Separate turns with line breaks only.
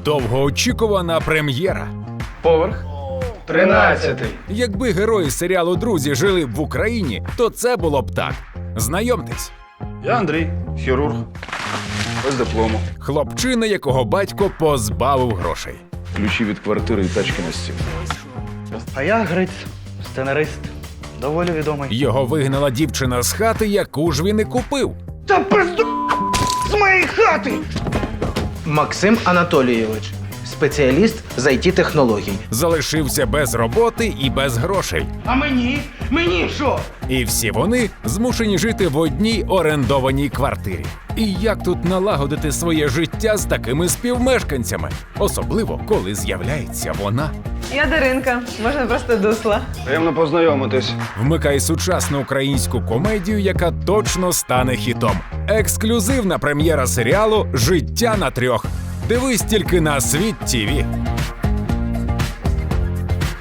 Довгоочікувана прем'єра.
Поверх 13.
Якби герої серіалу «Друзі» жили б в Україні, то це було б так. Знайомтесь.
Я Андрій, хірург. Без диплому.
Хлопчина, якого батько позбавив грошей.
Ключі від квартири і тачки на стіл.
А я Гриць, сценарист. Доволі відомий.
Його вигнала дівчина з хати, яку ж він і купив.
Та пизду з моєї хати!
Максим Анатолійович, спеціаліст з IT-технологій.
Залишився без роботи і без грошей.
А мені? Мені що?
І всі вони змушені жити в одній орендованій квартирі. І як тут налагодити своє життя з такими співмешканцями? Особливо, коли з'являється вона.
Я Даринка, можна просто Дусла.
Приємно познайомитись.
Вмикай сучасну українську комедію, яка точно стане хітом. Ексклюзивна прем'єра серіалу «Життя на трьох». Дивись тільки на Світ ТІВІ.